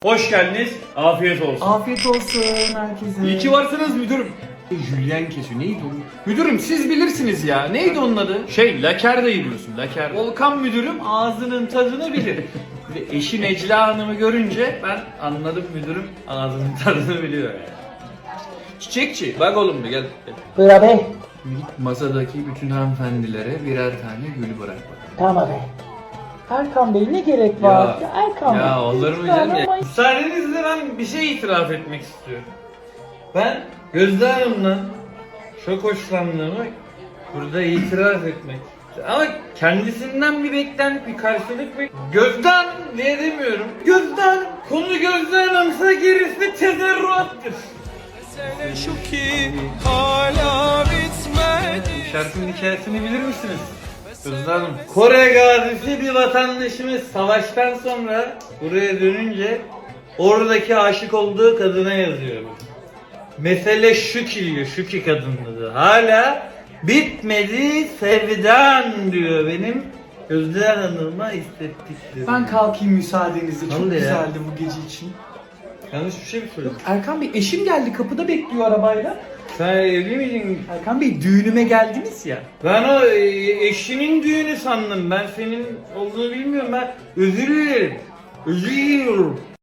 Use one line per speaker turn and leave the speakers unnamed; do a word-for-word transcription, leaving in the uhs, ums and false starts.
Hoş geldiniz. Afiyet olsun.
Afiyet olsun herkese.
İyi ki varsınız müdürüm.
Julien kesiyor. Neydi o? Müdürüm siz bilirsiniz ya. Neydi onun adı?
Şey, laker de yiyorsun, laker.
Volkan müdürüm ağzının tadını bilir.
Ve eşi Necla Hanım'ı görünce ben anladım müdürüm ağzının tadını biliyor yani. Çiçekçi, bak oğlum bir gel. gel.
Buyur abi.
Git masadaki bütün hanımefendilere birer tane gül bırak bakalım.
Tamam abi. Erkan Bey ne gerek var?
Ya,
Erkan Bey.
Ya olur mu
lütfen
canım ya?
ama-
Müsaadenizle ben bir şey itiraf etmek istiyorum. Ben Gözde Hanım'la çok hoşlandığımı burada itiraf etmek istiyorum. Ama kendisinden bir beklenti, bir karşılık bek... Gözde Hanım diye demiyorum. Gözde Hanım, konu Gözde Hanım'sa gerisi tezerruattır.
Mesele şu ki hala bitmedi.
Şarkının hikayesini bilir misiniz? Gözde Hanım. Kore gazisi bir vatandaşımız savaştan sonra buraya dönünce oradaki aşık olduğu kadına yazıyor. Mesele şu ki diyor, şu ki kadın diyor. Hala bitmedi sevdan diyor benim Gözde Hanım'a hissettiklerim.
Ben kalkayım müsaadenizle. Çok
Hadi ya.
güzeldi bu gece için.
Yanlış bir şey mi söyledim?
Erkan Bey eşim geldi kapıda bekliyor arabayla.
Sen evli miydin?
Erkan Bey düğünüme geldiniz ya.
Ben o e, eşinin düğünü sandım. Ben senin olduğunu bilmiyorum. Ben özür dilerim. Özür diliyorum.